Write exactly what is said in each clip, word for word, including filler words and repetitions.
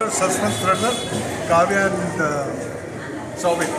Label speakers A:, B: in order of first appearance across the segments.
A: thriller, suspense thriller, Kavya and uh, Soubin.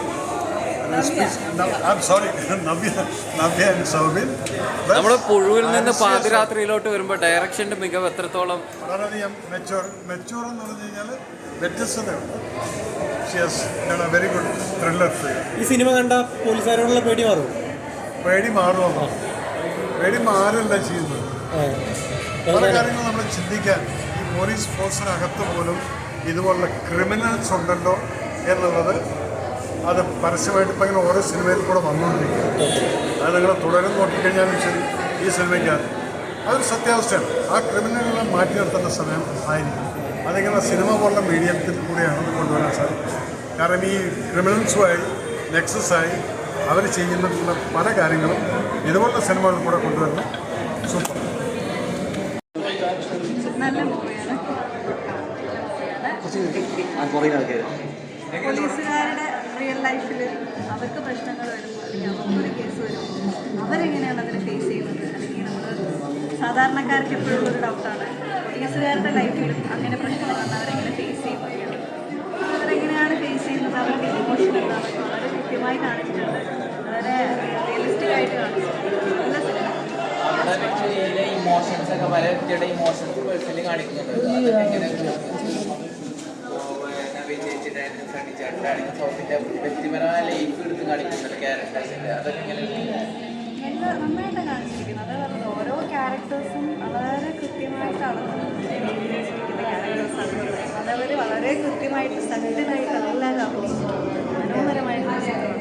A: I'm sorry, Navya, Navya and Soubin.
B: നമ്മുടെ പുഴുവിൽ നിന്ന് പാതിരാത്രിയിലോട്ട് വരുമ്പോൾ ഡയറക്ഷൻ്റെ മികവ് എത്രത്തോളം
A: വളരെയധികം മെച്ചൂർ മെച്ചൂർ എന്ന് പറഞ്ഞു കഴിഞ്ഞാൽ വ്യത്യസ്തതയുണ്ട്. Very good thriller film.
C: ഈ സിനിമ കണ്ട പോലീസുകാരോടുള്ള പേടി മാറും
A: പേടി മാറുമോ? പേടി മാറല്ല ചെയ്യുന്നത്. പല കാര്യങ്ങളും നമ്മൾ ചിന്തിക്കാൻ ഈ പോലീസ് ഫോഴ്സിനകത്ത് പോലും ഇതുപോലുള്ള ക്രിമിനൽസ് ഉണ്ടല്ലോ എന്നുള്ളത് അത് പരസ്യമായിട്ട് ഇപ്പം ഇങ്ങനെ ഓരോ സിനിമയിൽ കൂടെ വന്നുകൊണ്ടിരിക്കുക. അത് നിങ്ങൾ തുടരും നോക്കിക്കഴിഞ്ഞാലും ശരി ഈ സിനിമയ്ക്കകത്ത് അതൊരു സത്യാവസ്ഥയാണ്. ആ ക്രിമിനലുകളെ മാറ്റി നിർത്തേണ്ട സമയം ആയിരിക്കും. അതിങ്ങനെ സിനിമ പോലുള്ള മീഡിയത്തിൽ കൂടെയാണ് അത് കൊണ്ടുവരാൻ സാധിക്കും. കാരണം ഈ ക്രിമിനൽസുമായി നെക്സസായി അവർ ചെയ്യുന്ന പല കാര്യങ്ങളും ഇതുപോലുള്ള സിനിമകളിൽ കൂടെ കൊണ്ടുവരുന്ന സൂപ്പർ.
D: പോലീസുകാരുടെ റിയൽ ലൈഫിൽ അവർക്ക് പ്രശ്നങ്ങൾ വരുമ്പോൾ അല്ലെങ്കിൽ അവർക്കൊരു കേസ് വരുമ്പോൾ അവരെങ്ങനെയാണ് അതിനെ ഫേസ് ചെയ്യുന്നത്, അല്ലെങ്കിൽ നമ്മൾ സാധാരണക്കാർക്ക് എപ്പോഴും ഒരു ഡൗട്ടാണ് പോലീസുകാരുടെ ലൈഫിലും അങ്ങനെ പ്രശ്നങ്ങൾ വന്നാൽ അവരെങ്ങനെ ഫേസ് ചെയ്യുന്നത്, അവരെങ്ങനെയാണ് ഫേസ് ചെയ്യുന്നത്, അവരുടെ ഇമോഷൻ എന്താണെന്ന് വളരെ കൃത്യമായി കാണിച്ചിട്ടുണ്ട്. വളരെ റിയലിസ്റ്റിക് ആയിട്ട് കാണിച്ചിട്ടുണ്ട്. നല്ല സിനിമ.
E: ഇമോഷൻസ് ഒക്കെ പല വ്യക്തിയുടെ ഇമോഷൻസ് പേഴ്സണലി കാണിക്കുന്നുണ്ട്. ചേച്ചിട്ടായിരുന്നു സണ്ണിച്ചേട്ടനാണെങ്കിൽ സൗത്തിന്റെ വ്യക്തിപരമായ ലൈഫ് എടുത്ത് കാണിക്കുന്നുണ്ട് ക്യാരക്ടേഴ്സിന്റെ. അതൊക്കെ ഇങ്ങനെ
D: നല്ല നന്നായിട്ട് കാണിച്ചിരിക്കുന്നത്. അതേ പറഞ്ഞത് ഓരോ ക്യാരക്ടേഴ്സും വളരെ കൃത്യമായിട്ട് അളന്ന് അഭിനയിച്ചിരിക്കുന്ന ക്യാരക്ടേഴ്സാണ്. അതവർ വളരെ കൃത്യമായിട്ട് സത്യമായിട്ട് എല്ലാവരും അഭിനയിച്ചിട്ടുണ്ട്. മനോഹരമായിട്ട്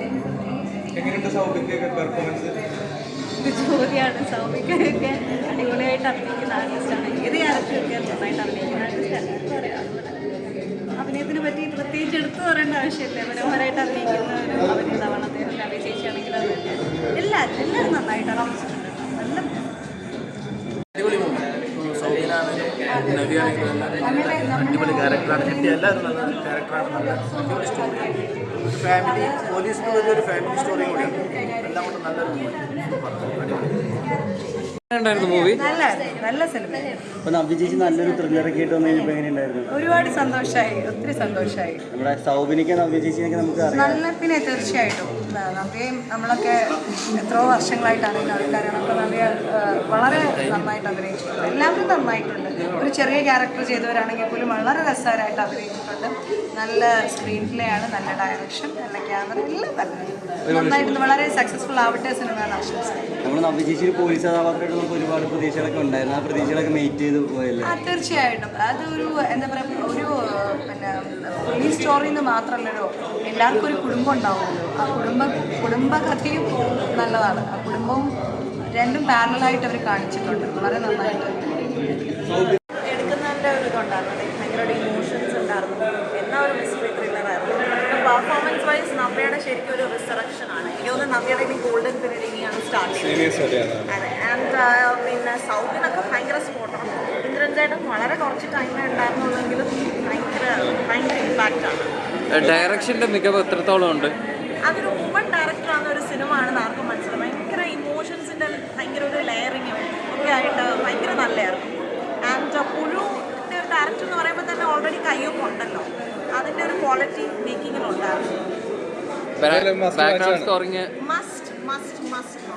D: ഇത് ചോദ്യമാണ്. സൗമിക്കൊക്കെ അടിപൊളിയായിട്ട് അഭിനയിക്കുന്ന ആർട്ടിസ്റ്റാണ്. ഏത് ക്യാരക്ടറൊക്കെ നന്നായിട്ട് അഭിനയിക്കുന്ന ആർട്ടിസ്റ്റാണ്. എന്താ പറയുക, അഭിനയത്തിനെ പറ്റി പ്രത്യേകിച്ച് എടുത്തു പറയേണ്ട ആവശ്യമില്ല. മനോഹരമായിട്ട് അഭിനയിക്കുന്ന ഒരു അഭിനേതാവാണ് അദ്ദേഹം. കവി ചേച്ചിയാണെങ്കിൽ അത് എല്ലാവരും എല്ലാവരും നന്നായിട്ട് അഭിനയിച്ചിട്ടുണ്ട്. നല്ല
C: അടിപൊളി ക്യാരക്ടറാണ്. കിട്ടിയ എല്ലാവരും നല്ല ക്യാരക്ടറാണ്. നല്ല അടിപൊളി സ്റ്റോറി. ഫാമിലി പോലീസിന് വലിയൊരു ഫാമിലി സ്റ്റോറി കൂടിയാണ്. എല്ലാം കൊണ്ട് നല്ലൊരു
B: മൂവി.
D: നല്ല നല്ല സിനിമ.
F: അപ്പോൾ നവ്യ ചേച്ചി നല്ലൊരു ത്രില്ലറൊക്കെ ആയിട്ട് വന്നു കഴിഞ്ഞപ്പോൾ എങ്ങനെയുണ്ടായിരുന്നു?
D: ഒരുപാട് സന്തോഷമായി, ഒത്തിരി സന്തോഷമായി.
F: നമ്മുടെ സൗബിനിക്ക് നവ്യ ചേച്ചിയൊക്കെ നമുക്ക് അറിയാം.
D: നല്ല പിന്നെ തീർച്ചയായിട്ടും നവ്യയും നമ്മളൊക്കെ എത്രയോ വർഷങ്ങളായിട്ടാണ് ആൾക്കാരാണ്. അപ്പോൾ നവ്യ വളരെ നന്നായിട്ട് അഭിനയിച്ചിട്ടുണ്ട്. എല്ലാവരും നന്നായിട്ടുണ്ട്. ഒരു ചെറിയ ക്യാരക്ടർ ചെയ്തവരാണെങ്കിൽ പോലും വളരെ രസകരമായിട്ട് അഭിനയിച്ചിട്ടുണ്ട്. നല്ല സ്ക്രീൻ പ്ലേ ആണ്, നല്ല ഡയറക്ഷൻ, നല്ല ക്യാമറ, എല്ലാം നല്ല നന്നായിട്ട് വളരെ സക്സസ്ഫുൾ ആവട്ടെ സിനിമയാണ് ആശംസിക്കുന്നത്.
F: നമ്മൾ നവ്യ ചേച്ചി ഒരു പോലീസ് കഥാപാത്രമായിട്ട് നമുക്ക് ഒരുപാട് പ്രതീക്ഷകളൊക്കെ ഉണ്ടായിരുന്നു. ആ പ്രതീക്ഷകളൊക്കെ മെയിറ്റ് ചെയ്ത് പോയല്ലേ?
D: ആ തീർച്ചയായിട്ടും. അതൊരു എന്താ പറയുക, ഒരു പിന്നെ പോലീസ് സ്റ്റോറിയിൽ നിന്ന് മാത്രമല്ലല്ലോ, എല്ലാവർക്കും ഒരു കുടുംബം ഉണ്ടാവുമല്ലോ. ആ കുടുംബ കുടുംബകഥയും നല്ലതാണ്. ആ കുടുംബവും രണ്ടും പാരലായിട്ട് അവർ കാണിച്ചിട്ടുണ്ട്. വളരെ നന്നായിട്ട് എടുക്കുന്നതിൻ്റെ ഒരു ഇതുണ്ടായിരുന്നു. ഭയങ്കര ഇമോഷൻസ് ഉണ്ടായിരുന്നു. എന്നാ ഒരു മിസ്റ്ററി ത്രില്ലറായിരുന്നു. പെർഫോമൻസ് വൈസ് നവ്യയുടെ ശരിക്കും ഒരു റിസറക്ഷൻ ആണ്. എനിക്ക് തോന്നുന്നു നവ്യയുടെ ഇനി ഗോൾഡൻ പീരീഡ് ഇനിയാണ് സ്റ്റാർട്ട് ചെയ്യുന്നത്. അതെ. ആൻഡ് പിന്നെ സൗത്തിനൊക്കെ ഭയങ്കര സ്പോട്ടാണ്. ഇന്ദ്രൻ ചേട്ടൻ വളരെ കുറച്ച് ടൈമേ ഉണ്ടായിരുന്നുള്ളെങ്കിലും ഭയങ്കര ഭയങ്കര ഇമ്പാക്റ്റാണ്.
B: ഡയറക്ഷൻ്റെ മികവ് എത്രത്തോളം ഉണ്ട്?
D: അതൊരു വുമൺ ഡയറക്ടറാണ്. ഒരു സിനിമ ആണെന്ന് ആർക്കും മനസ്സിലാവും. ഭയങ്കര ഇമോഷൻസിൻ്റെ ഭയങ്കര ഒരു ലെയറിങ്ങും ഒക്കെ ആയിട്ട് ഭയങ്കര നല്ലതായിരുന്നു. ആൻഡ് പുഴുവിൻ്റെ ഒരു ഡയറക്ടർ എന്ന് പറയുമ്പോൾ തന്നെ ഓൾറെഡി കയ്യൊക്കെ ഉണ്ടല്ലോ. അതിൻ്റെ ഒരു ക്വാളിറ്റി മേക്കിങ്ങിലുണ്ടായിരുന്നു.
B: Background scoring
D: must must must